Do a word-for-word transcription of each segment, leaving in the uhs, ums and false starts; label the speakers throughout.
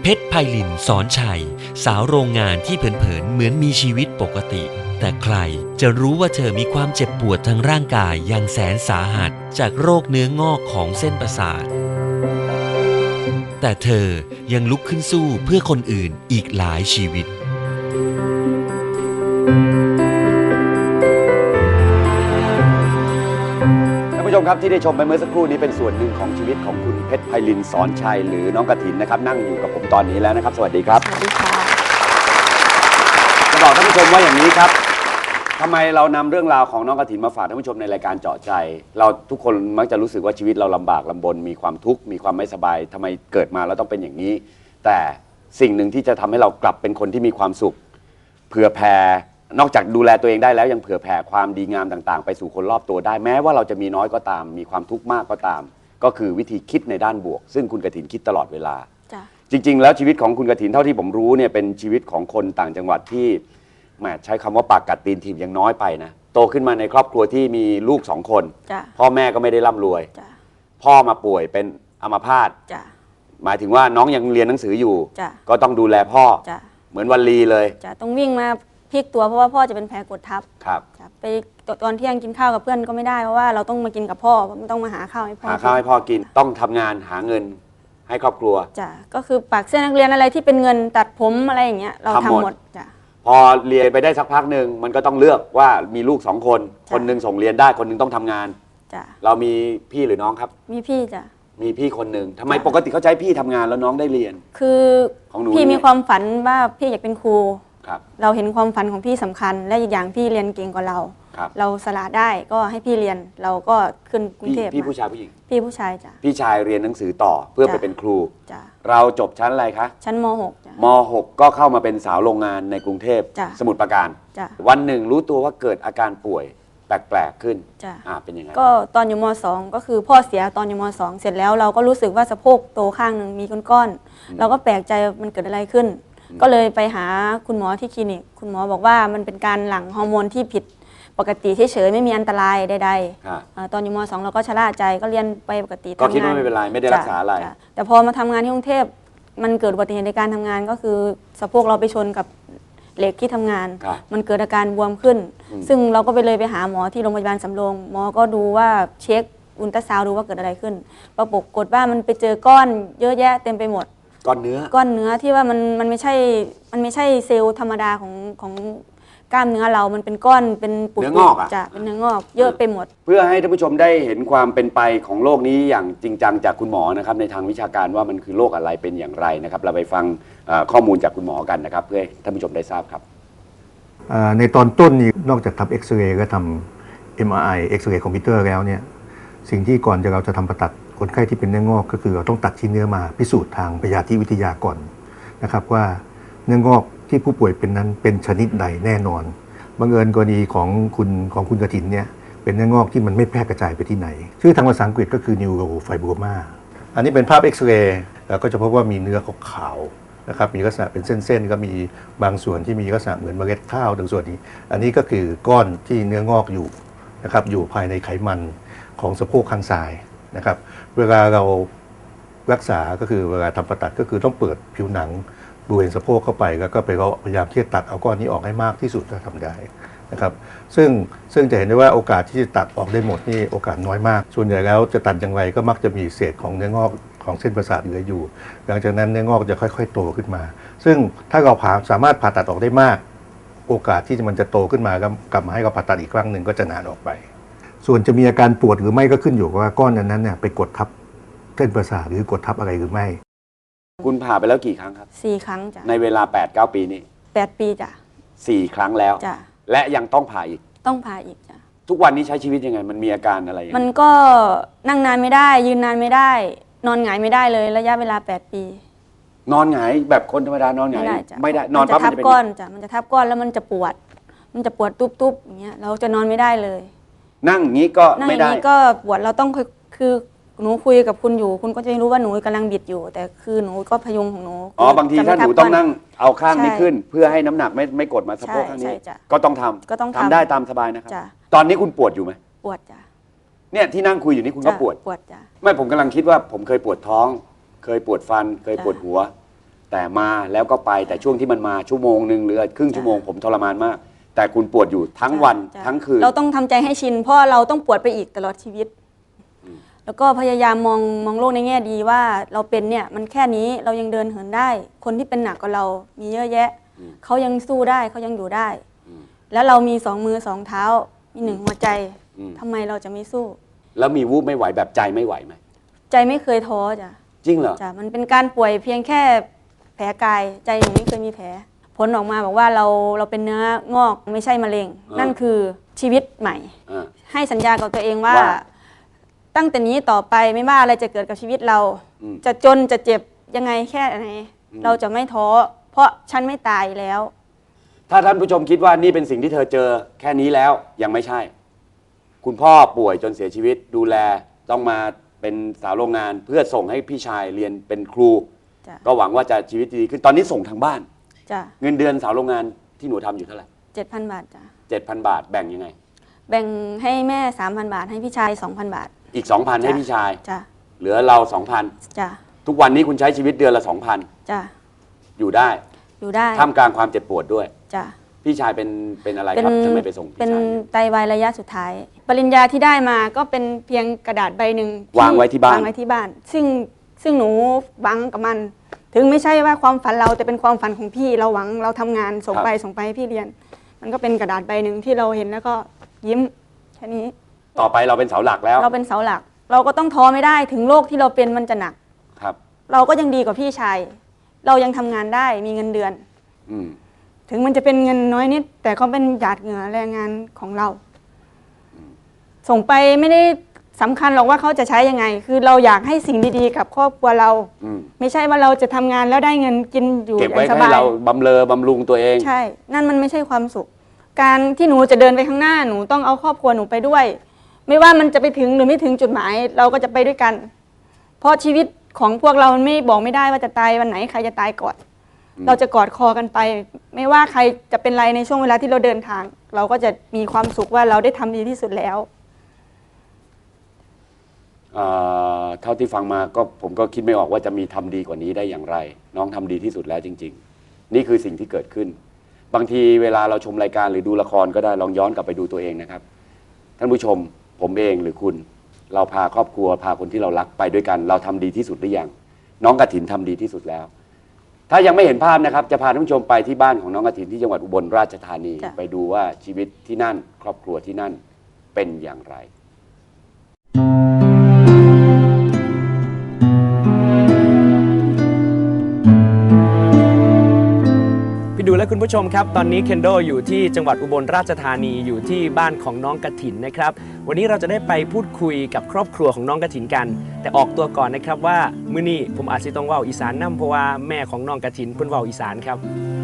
Speaker 1: ชรไพลินสอนชัยสาวโรงงานที่เผินๆเหมือนมีชีวิตปกติ แต่ใครจะรู้ว่าเธอมีความเจ็บปวดทางร่างกายอย่างแสนสาหัสจากโรคเนื้องอกของเส้นประสาทแต่เธอยังลุกขึ้นสู้เพื่อคนอื่นอีกหลายชีวิต
Speaker 2: ท่านผู้ชมครับที่ได้ชมไปเมื่อสักครู่นี้เป็นส่วนหนึ่งของชีวิตของคุณเพชรไพลินสอนชัยหรือน้องกฐินนะครับนั่งอยู่กับผมตอนนี้แล้วนะครับสวัสดีครับ
Speaker 3: สวัสดีค่ะ
Speaker 2: จะบอกท่านผู้ชมว่าอย่างนี้ครับทำไมเรานำเรื่องราวของน้องกฐินมาฝากท่านผู้ชมในรายการเจาะใจเราทุกคนมักจะรู้สึกว่าชีวิตเราลำบากลำบนมีความทุกข์มีความไม่สบายทำไมเกิดมาแล้วต้องเป็นอย่างนี้แต่สิ่งหนึ่งที่จะทำให้เรากลับเป็นคนที่มีความสุขเผื่อแผ่นอกจากดูแลตัวเองได้แล้วยังเผื่อแผ่ความดีงามต่างๆไปสู่คนรอบตัวได้แม้ว่าเราจะมีน้อยก็ตามมีความทุกข์มากก็ตามก็คือวิธีคิดในด้านบวกซึ่งคุณกฐินคิดตลอดเวลาจริงๆแล้วชีวิตของคุณกฐินเท่าที่ผมรู้เนี่ยเป็นชีวิตของคนต่างจังหวัดที่แหมใช้คำว่าปากกัดตีนถีบยังน้อยไปนะโตขึ้นมาในครอบครัวที่มีลูกสองคนพ่อแม่ก็ไม่ได้ร่ำรวยพ่อมาป่วยเป็นอัมพาตหมายถึงว่าน้องยังเรียนหนังสืออยู่ก็ต้องดูแลพ่อเหมือนวันลีเลย
Speaker 3: ต้องวิ่งมาพลิกตัวเพราะว่าพ่อจะเป็นแผลกดทับ
Speaker 2: ครับ
Speaker 3: ไปตอนเที่ยงกินข้าวกับเพื่อนก็ไม่ได้เพราะว่าเราต้องมากินกับพ่อต้องมาหาข้าวให้พ่อ
Speaker 2: หาข้าวให้พ่อกินต้องทำงานหาเงินให้ครอบครัว
Speaker 3: จ้ะก็คือปากเสื้อนักเรียนอะไรที่เป็นเงินตัดผมอะไรอย่างเงี้ยเราทำหมดจ้ะ
Speaker 2: พอเรียนไปได้สักพักหนึ่งมันก็ต้องเลือกว่ามีลูกสองคนคนหนึ่งส่งเรียนได้คนหนึ่งต้องทำงาน
Speaker 3: จ้ะ
Speaker 2: เรามีพี่หรือน้องครับ
Speaker 3: มีพี่จ้ะ
Speaker 2: มีพี่คนหนึ่งทำไมปกติเขาใช้พี่ทำงานแล้วน้องได้เรียน
Speaker 3: คือพี่มีความฝันว่าพี่อยากเป็นครู
Speaker 2: ครับ
Speaker 3: เราเห็นความฝันของพี่สำคัญและอีกอย่างพี่เรียนเก่งกว่าเราเราสละได้ก็ให้พี่เรียนเราก็ขึ้นกรุงเทพ
Speaker 2: พี่ผู้ชายผู้หญิง
Speaker 3: พี่ผู้ชายจ้ะ
Speaker 2: พี่ชายเรียนหนังสือต่อเพื่อไปเป็นครูเราจบชั้นอะไรคะ
Speaker 3: ชั้นม หก จ้ะ
Speaker 2: ม หก ก็เข้ามาเป็นสาวโรงงานในกรุงเทพสมุทรปราการวันหนึ่งรู้ตัวว่าเกิดอาการป่วยแปลกๆขึ้นอ่าเป็นยังไง
Speaker 3: ก็ตอนอยู่ม สอง ก็คือพ่อเสียตอนอยู่ม สอง เสร็จแล้วเราก็รู้สึกว่าสะโพกโตข้างหนึ่งมีก้อนๆเราก็แปลกใจมันเกิดอะไรขึ้นก็เลยไปหาคุณหมอที่คลินิกคุณหมอบอกว่ามันเป็นการหลั่งฮอร์โมนที่ผิดปกติเฉยๆไม่มีอันตรายใดๆตอนอยู่ม สอง เราก็ชะล่าใจก็เรียนไปปกติ
Speaker 2: ก็คิดว่าไม่เป็นไรไม่ได้รักษาอะไร
Speaker 3: แต่พอมาทำงานที่กรุงเทพมันเกิดอุบัติเหตุในการทำงานก็คือสะโพกเราไปชนกับเหล็กที่ทำงานมันเกิดอาการบวมขึ้นซึ่งเราก็ไปเลยไปหาหมอที่โรงพยาบาลสำโรงหมอก็ดูว่าเช็คอุลตราซาวด์ดูว่าเกิดอะไรขึ้นปรากฏว่ามันไปเจอก้อนเยอะแยะเต็มไปหมด
Speaker 2: ก้อนเนื้อ
Speaker 3: ก้อนเนื้อที่ว่ามันมันไม่ใช่มันไม่ใช่เซลล์ธรรมดาของของกล้ามเนื้อเรามันเป็นก้อนเป็น
Speaker 2: ปุกเนื้องอก
Speaker 3: จะเป็นเนื้องอกเยอะไปหมด
Speaker 2: เพื่อให้ท่านผู้ชมได้เห็นความเป็นไปของโรคนี้อย่างจริงจังจากคุณหมอนะครับในทางวิชาการว่ามันคือโรคอะไรเป็นอย่างไรนะครับเราไปฟังข้อมูลจากคุณหมอกันนะครับเพื่อให้ท่านผู้ชมได้ทราบครับ
Speaker 4: ในตอนต้นนี้นอกจากทำเอ็กซเรย์ก็ทำ เอ็ม อาร์ ไอ เอ็กซเรย์คอมพิวเตอร์แล้วเนี่ยสิ่งที่ก่อนจะเราจะทำผ่าตัดคนไข้ที่เป็นเนื้องอกก็คือเราต้องตัดชิ้นเนื้อมาพิสูจน์ทางพยาธิวิทยาก่อนนะครับว่าเนื้องอกที่ผู้ป่วยเป็นนั้นเป็นชนิดใดแน่นอนบังเอิญกรณีของคุณของคุณกฐินเนี่ยเป็นเนื้องอกที่มันไม่แพร่กระจายไปที่ไหนชื่อทางภาษาอังกฤษก็คือ neurofibroma อันนี้เป็นภาพเอ็กซเรย์ก็จะพบว่ามีเนื้อขาวๆนะครับมีลักษณะเป็นเส้นๆก็มีบางส่วนที่มีลักษณะเหมือนเมล็ดข้าวบางส่วนนี้อันนี้ก็คือก้อนที่เนื้องอกอยู่นะครับอยู่ภายในไขมันของสะโพกข้างซ้ายนะครับเวลาเรารักษาก็คือเวลาทำผ่าตัดก็คือต้องเปิดผิวหนังบริเวณสะโพกเข้าไปแล้วก็ไปพยายามที่จะตัดเอาก้อนนี้ออกให้มากที่สุดถ้าทำได้นะครับซึ่งซึ่งจะเห็นได้ว่าโอกาสที่จะตัดออกได้หมดนี่โอกาสน้อยมากส่วนใหญ่แล้วจะตัดอย่างไรก็มักจะมีเศษของเนื้องอกของเส้นประสาทเหลืออยู่หลังจากนั้นเนื้องอกจะค่อยๆโตขึ้นมาซึ่งถ้าเราผ่าสามารถผ่าตัดออกได้มากโอกาสที่มันจะโตขึ้นมากลับมาให้เราผ่าตัดอีกครั้งหนึ่งก็จะนานออกไปส่วนจะมีอาการปวดหรือไม่ก็ขึ้นอยู่กับว่าก้อนนั้นเนี่ยไปกดทับเส้นประสาทหรือกดทับอะไรหรือไม่
Speaker 2: คุณผ่าไปแล้วกี่ครั้งครับ
Speaker 3: สี่ครั้งจ้ะ
Speaker 2: ในเวลา แปด เก้า ปีนี้
Speaker 3: แปดปีจ้ะ
Speaker 2: สี่ครั้งแล้ว
Speaker 3: จ้ะ
Speaker 2: และยังต้องผ่าอีก
Speaker 3: ต้องผ่าอีกจ้ะ
Speaker 2: ทุกวันนี้ใช้ชีวิตยังไงมันมีอาการอะไร
Speaker 3: มันก็นั่งนานไม่ได้ยืนนานไม่ได้นอนหงายไม่ได้เลยระยะเวลาแปดปี
Speaker 2: นอนหงายแบบคนธรรมดานอนหงายไม่ได้
Speaker 3: นอนปั๊บมันจะทับก้อนจ้ะมันจะทับก้อนแล้วมันจะปวดมันจะปวดตุ๊บๆอย่างเงี้ยเราจะนอนไม่ได้เลย
Speaker 2: นั่งงี้ก็ไม่ได้
Speaker 3: นั่งงี้ก็ปวดเราต้องคือหนูคุยกับคุณอยู่คุณก็จะรู้ว่าหนูกำลังบิดอยู่แต่คือหนูก็พยุงของหนู
Speaker 2: อ๋อบางทีถ้าหนูต้องนั่งเอาข้างนี้ขึ้นเพื่อให้น้ำหนักไม่ไม่กดมาสะโพกข้างนี้ก็ต้องทำ
Speaker 3: ก็ต้อง
Speaker 2: ทำได้ตามสบายนะครับตอนนี้คุณปวดอยู่ไหม
Speaker 3: ปวดจ้ะ
Speaker 2: เนี่ยที่นั่งคุยอยู่นี่คุณก็ปวด
Speaker 3: ปวดจ้ะ
Speaker 2: ไม่ผมกำลังคิดว่าผมเคยปวดท้องเคยปวดฟันเคยปวดหัวแต่มาแล้วก็ไปแต่ช่วงที่มันมาชั่วโมงหนึ่งหรือครึ่งชั่วโมงผมทรมานมาก แต่คุณปวดอยู่ทั้งวัน
Speaker 3: จ้ะ
Speaker 2: ทั้งคืน
Speaker 3: เราต้องทำใจให้ชิน เพราะเราต้องปวดไปอีกตลอดชีวิต แล้วก็พยายามมองมองโลกในแง่ดีว่าเราเป็นเนี่ยมันแค่นี้เรายังเดินเหินได้ คนที่เป็นหนักกว่าเรามีเยอะแยะ เขายังสู้ได้เขายังอยู่ได้ แล้วเรามีสองมือสองเท้า มีหนึ่งหัวใจทำไมเราจะไม่สู้
Speaker 2: แล้วมีวูบไม่ไหวแบบใจไม่ไหวไหม
Speaker 3: ใจไม่เคยท้อจ้ะ
Speaker 2: จริงเหรอ
Speaker 3: จ้ะมันเป็นการป่วยเพียงแค่แผลกายใจหนูไม่เคยมีแผล ผลออกมาบอกว่าเราเราเป็นเนื้องอกไม่ใช่มะเร็ง
Speaker 2: อ่านั่
Speaker 3: นั่นคือชีวิตใหม่
Speaker 2: อ่า
Speaker 3: ให้สัญญากับตัวเองว่า
Speaker 2: ว่า
Speaker 3: ตั้งแต่นี้ต่อไปไม่ว่าอะไรจะเกิดกับชีวิตเรา
Speaker 2: อืม
Speaker 3: จะจนจะเจ็บยังไงแค่ไหน
Speaker 2: อืม
Speaker 3: เราจะไม่ท้อเพราะฉันไม่ตายแล้ว
Speaker 2: ถ้าท่านผู้ชมคิดว่านี่เป็นสิ่งที่เธอเจอแค่นี้แล้วยังไม่ใช่ คุณพ่อป่วยจนเสียชีวิตดูแลต้องมาเป็นสาวโรงงาน เพื่อส่งให้พี่ชายเรียนเป็นครู
Speaker 3: จ้ะ
Speaker 2: ก็หวังว่าจะชีวิตดีขึ้นตอนนี้ส่งทางบ้าน
Speaker 3: จ้ะ
Speaker 2: เงินเดือนสาวโรงงานที่หนูทำอยู่เท่าไหร่
Speaker 3: เจ็ดพันบาทจ้ะ
Speaker 2: เจ็ดพันบาทแบ่งยังไง
Speaker 3: แบ่งให้แม่สามพันบาทให้พี่ชายสองพันบาท
Speaker 2: อีกสองพันให้พี่ชาย
Speaker 3: จ้ะ
Speaker 2: เหลือเราสองพัน
Speaker 3: จ้ะ
Speaker 2: ทุกวันนี้คุณใช้ชีวิตเดือนละสองพัน
Speaker 3: จ้ะ
Speaker 2: อยู่ได้
Speaker 3: อยู่ได้
Speaker 2: ท่ามกลางความเจ็บปวดด้วย
Speaker 3: จ้ะ
Speaker 2: พี่ชายเป็นเป็นอะไร
Speaker 3: เป็น
Speaker 2: ครับจะไม่ไปส่งพี่
Speaker 3: เป็น
Speaker 2: ชาย
Speaker 3: ไตวายระยะสุดท้าย ปริญญาที่ได้มาก็เป็นเพียงกระดาษใบหนึ่ง
Speaker 2: วางไว้ที่บ้าน
Speaker 3: วางไว้ที่บ้าน ซึ่งซึ่งหนูหวังกับมัน ถึงไม่ใช่ว่าความฝันเราแต่เป็นความฝันของพี่เราหวังเราทำงานส่งไปส่งไปให้พี่เรียน มันก็เป็นกระดาษใบหนึ่งที่เราเห็นแล้วก็ยิ้มแค่นี้
Speaker 2: ต่อไปเราเป็นเสาหลักแล้ว
Speaker 3: เราเป็นเสาหลัก เราก็ต้องท้อไม่ได้ถึงโรคที่เราเป็นมันจะหนัก
Speaker 2: ครับ
Speaker 3: เราก็ยังดีกว่าพี่ชาย เรายังทำงานได้มีเงินเดือน
Speaker 2: อืม
Speaker 3: ถึงมันจะเป็นเงินน้อยนิด แต่ก็เป็นหยาดเหงื่อแรงงานของเรา ส่งไปไม่ได้สำคัญหรอกว่าเขาจะใช้ยังไง คือเราอยากให้สิ่งดีๆกับครอบครัวเรา
Speaker 2: อืม
Speaker 3: ไม่ใช่ว่าเราจะทำงานแล้วได้เงินกินอยู่
Speaker 2: เก็บ
Speaker 3: อ
Speaker 2: ไว้
Speaker 3: ย่างส
Speaker 2: ให้
Speaker 3: บาย
Speaker 2: เราบำเรอบำรุงตัวเอง
Speaker 3: ใช่ นั่นมันไม่ใช่ความสุข การที่หนูจะเดินไปข้างหน้าหนูต้องเอาครอบครัวหนูไปด้วย ไม่ว่ามันจะไปถึงหรือไม่ถึงจุดหมาย เราก็จะไปด้วยกัน เพราะชีวิตของพวกเรามันไม่บอกไม่ได้ว่าจะตายวันไหนใครจะตายก่อน เราจะกอดคอกันไป ไม่ว่าใครจะเป็นไรในช่วงเวลาที่เราเดินทาง เราก็จะมีความสุขว่าเราได้ทำดีที่สุดแล้ว
Speaker 2: เอ่อเท่าที่ฟังมาก็ผมก็คิดไม่ออกว่าจะมีทำดีกว่านี้ได้อย่างไร น้องทำดีที่สุดแล้วจริง ๆ นี่คือสิ่งที่เกิดขึ้น บางทีเวลาเราชมรายการหรือดูละครก็ได้ลองย้อนกลับไปดูตัวเองนะครับท่านผู้ชมผมเองหรือคุณ เราพาครอบครัวพาคนที่เรารักไปด้วยกัน เราทำดีที่สุดหรือยังน้องกฐินทำดีที่สุดแล้ว ถ้ายังไม่เห็นภาพนะครับจะพาท่านผู้ชมไปที่บ้านของน้องกฐินที่จังหวัดอุบลราชธานี
Speaker 3: จ้ะ
Speaker 2: ไปดูว่าชีวิตที่นั่น ครอบครัวที่นั่นเป็นอย่างไร
Speaker 5: พี่ดูและคุณผู้ชมครับตอนนี้เคนโดอยู่ที่จังหวัดอุบลราชธานีอยู่ที่บ้านของน้องกฐินนะครับวันนี้เราจะได้ไปพูดคุยกับครอบครัวของน้องกฐินกัน แต่ออกตัวก่อนนะครับว่ามื้อนี้ผมอาจจะต้องเว้าอีสานนํเพราะว่าแม่ของน้องกฐินเพิ่นเว้าอีสานครับ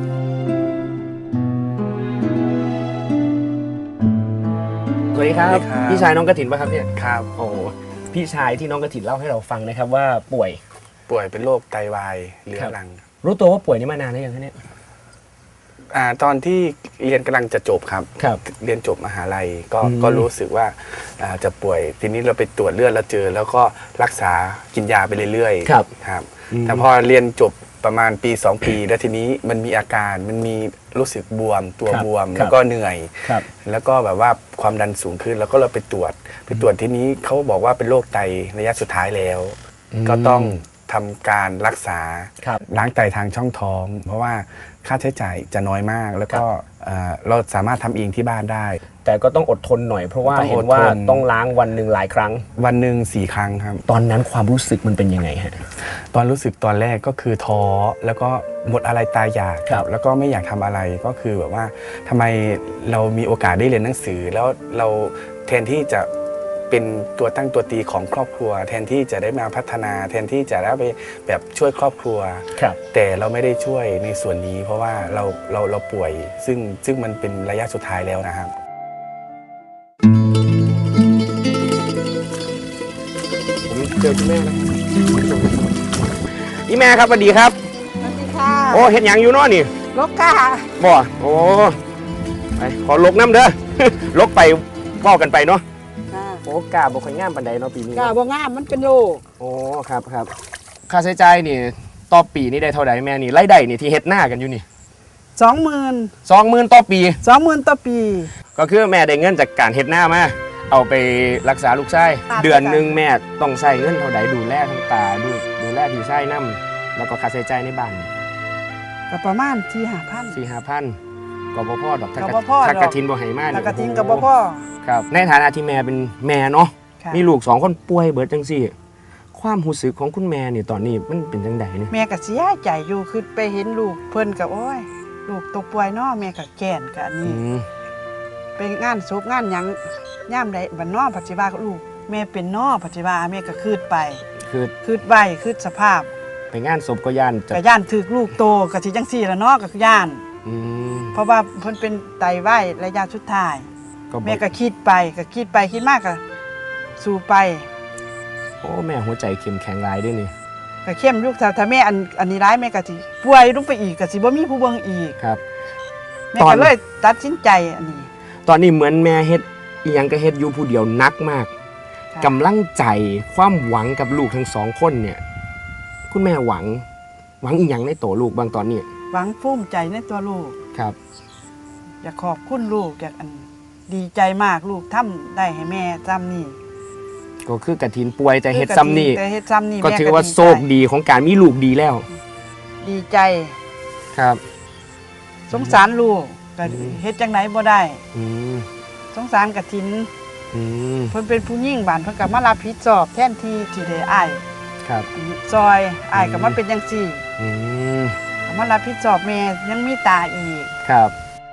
Speaker 5: สวัสดีครับ
Speaker 6: สวัสดีครับ
Speaker 5: พี่ชายน้องกฐินป่ะครับเนี่ย
Speaker 6: ครับ
Speaker 5: โอ้พี่ชายที่น้องกฐินเล่าให้เราฟังนะครับว่าป่วย
Speaker 6: ป่วยเป็นโรคไตวายเรื้อรัง
Speaker 5: รู้ตัวว่าป่วยนี่มานานแล้วยังคะเนี่ย
Speaker 6: อ่าตอนที่เรียนกำลังจะจบครับ
Speaker 5: ครับ
Speaker 6: เรียนจบมหาลัยก็
Speaker 5: อืม
Speaker 6: ก็รู้สึกว่าอ่าจะป่วย ทีนี้เราไปตรวจเลือดแล้วเจอ แล้วก็รักษากินยาไปเรื่อยๆ
Speaker 5: ครับ
Speaker 6: ครับ
Speaker 5: อืม
Speaker 6: แต่พอเรียนจบประมาณปีสองปี แล้วทีนี้มันมีอาการมันมีรู้สึกบวมตัว
Speaker 5: ครับ
Speaker 6: บวม
Speaker 5: ครับ
Speaker 6: แล้วก็เหนื่อย
Speaker 5: ครับ
Speaker 6: แล้วก็แบบว่าความดันสูงขึ้นแล้วก็เราไปตรวจไปตรวจที่นี้เขาบอกว่าเป็นโรคไตระยะสุดท้ายแล้ว
Speaker 5: อืม
Speaker 6: ก็ต้องทำการรักษา
Speaker 5: ครับ
Speaker 6: ล้างไตทางช่องท้อง เพราะว่าค่าใช้จ่ายจะน้อยมาก แล้วก็เอ่อเราสามารถทำเองที่บ้านได้
Speaker 5: แต่ก็ต้องอดทนหน่อยเพราะว่า
Speaker 6: ต้องอดทน
Speaker 5: เห็นว่าต้องล้างวันหนึ่งหลายครั้ง
Speaker 6: วันหนึ่งสี่ครั้งครับ
Speaker 5: ตอนนั้นความรู้สึกมันเป็นยังไงฮะ
Speaker 6: ตอนรู้สึกตอนแรกก็คือท้อแล้วก็หมดอะไรตายอยาก
Speaker 5: ครับ
Speaker 6: แล้วก็ไม่อยากทำอะไรก็คือแบบว่าทำไมเรามีโอกาสได้เรียนหนังสือ แล้วเราแทนที่จะเป็นตัวตั้งตัวตีของครอบครัว แทนที่จะได้มาพัฒนา แทนที่จะได้ไปแบบช่วยครอบครัว
Speaker 5: ครับ
Speaker 6: แต่เราไม่ได้ช่วยในส่วนนี้ เพราะว่าเราเราเราป่วย ซึ่งซึ่งมันเป็นระยะสุดท้ายแล้วนะครับ
Speaker 5: ผมเจอคุณแม่แล้วอีแม่ครับสวัสดีครับ
Speaker 7: สวัสดีค่ะ
Speaker 5: โอ้เห็นอย่างอยู่เนาะนี่
Speaker 7: ลกกา
Speaker 5: บ่โอ้ไปขอลกน้ำเด้อ ลกไปเว้ากันไปเนาะโอ้กาบ่ค่อยงามปานใดเนาะปีนี้
Speaker 7: กาบ่งามมันเป็นโล
Speaker 5: โอ้ครับครับค่าใช้จ่ายนี่ต่อปีนี่ได้เท่าไหร่แม่นี่รายได้นี่ที่เฮ็ดหน้ากันอยู่นี่
Speaker 7: สองหมื่น
Speaker 5: สองหมื่นต่อปี
Speaker 7: สองหมื่นต่อปี
Speaker 5: ก็คือแม่ได้เงินจากการเฮ็ดหน้ามาเอาไปรักษาลูกชาย
Speaker 7: อ่า
Speaker 5: เดือนหนึงแม่ต้องใช้เงินเท่าใดดูแลทั้งตาดูดูแลพี่ชายนํแล้วก็ค่าใช้จ่ายในบ้าน
Speaker 7: ก็ประมาณที่ห้าพัน
Speaker 5: สี่ห้าพันก็บ่พอดอกถ้า
Speaker 7: ก็บ่พอดอก
Speaker 5: ถ้ากระทินบ่ให้มา
Speaker 7: ถ้า
Speaker 5: นี่
Speaker 7: กระทิงกับบ่พ่อ
Speaker 5: ครับในฐานะที่แม่เป็นแม่เนาะ
Speaker 7: ค่ะ
Speaker 5: มีลูกสองคนป่วยเบิดจังซี่ ความรู้สึกของคุณแม่นี่ตอนนี้มันเป็นจังไดเนี่ย
Speaker 7: แม่ก็เสียใจอยู่คือไปเห็นลูกเพิ่นก็โอ้ยลูกตกป่วยเนาะแม่ก็แก่นก็อัน
Speaker 5: อื
Speaker 7: นี้
Speaker 5: ม
Speaker 7: ไปงานศพงานหยังย่ามใดบัดน้อปัจจุบันลูกแม่เป็นน้อปัจจุบันแม่ก็คืดไป
Speaker 5: คือ
Speaker 7: คืดไว้คืดสภาพ
Speaker 5: ไปงานศพก็ย่านจะ
Speaker 7: ก็ย่านถึกลูกโตก็สิจังซี่ล่ะเนาะก็ย่าน
Speaker 5: อืม
Speaker 7: เพราะว่าเพิ่นเป็นไตวายระยะสุดท้าย
Speaker 5: ก็บอก
Speaker 7: แม่ก็คิดไปก็คิดไปคิดมากก็สู้ไป
Speaker 5: โอ้แม่หัวใจเข้มแข็งหลายด้วยนี่
Speaker 7: ก็เข้มลูกถ้าถ้าแม่อันอันนี้ร้ายแม่ก็สิป่วยลงไปอีกก็สิบ่มีผู้เบิ่งอีก
Speaker 5: ครับ
Speaker 7: แม่
Speaker 5: ตอน
Speaker 7: ก็เลยตัดสินใจอันนี้
Speaker 5: ตอนนี้เหมือนแม่เฮ็ดอีหยังก็เฮ็ดอยู่ผู้เดียวหนักมาก
Speaker 7: ค่ะ
Speaker 5: กำลังใจความหวังกับลูกทั้งสองคนเนี่ย คุณแม่หวัง หวังอีหยังในโตลูกบางตอนนี้
Speaker 7: หวังภูมิใจในตัวลูก
Speaker 5: ครับ
Speaker 7: อยากขอบคุณลูกอยากอันดีใจมากลูกทำได้ให้แม่จำนี่
Speaker 5: ก็คือกระถินป่วยแต่เฮ็ดซ้ำนี่
Speaker 7: แต่เฮ็ดซ้ำนี่
Speaker 5: ก็
Speaker 7: แม่
Speaker 5: ถือว่า
Speaker 7: ดีใจ
Speaker 5: โชคดีของการมีลูกดีแล้ว
Speaker 7: ดีใจ
Speaker 5: ครับ
Speaker 7: สงสารลูกก็
Speaker 5: อืม
Speaker 7: เฮ็ดจังไหนบ่ได้
Speaker 5: อืม
Speaker 7: สงสารกฐิน
Speaker 5: อืม
Speaker 7: เพิ่นเป็นผู้หญิงบ้านเพิ่นก็มารับผิดชอบแทนที่ที่ได้อ้าย
Speaker 5: ครับ
Speaker 7: ซอยอ้ายก็มาเป็นจังซี่
Speaker 5: อืม
Speaker 7: ก็มารับผิดชอบแม่ยังมีตาอีก
Speaker 5: ครับ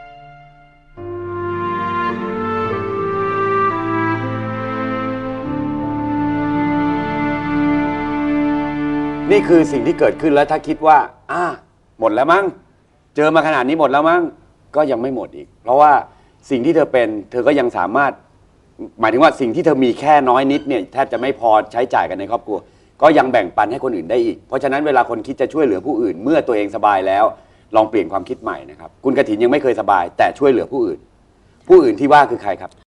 Speaker 2: นี่คือสิ่งที่เกิดขึ้นแล้วถ้าคิดว่าอ่าหมดแล้วมั้งเจอมาขนาดนี้หมดแล้วมั้งก็ยังไม่หมดอีก เพราะว่าสิ่งที่เธอเป็นเธอก็ยังสามารถ หมายถึงว่าสิ่งที่เธอมีแค่น้อยนิดเนี่ยแทบจะไม่พอใช้จ่ายกันในครอบครัว ก็ยังแบ่งปันให้คนอื่นได้อีก เพราะฉะนั้นเวลาคนคิดจะช่วยเหลือผู้อื่น เมื่อตัวเองสบายแล้ว ลองเปลี่ยนความคิดใหม่นะครับคุณกฐินยังไม่เคยสบาย แต่ช่วยเหลือผู้อื่น ผู้อื่นที่ว่าคือใครครับ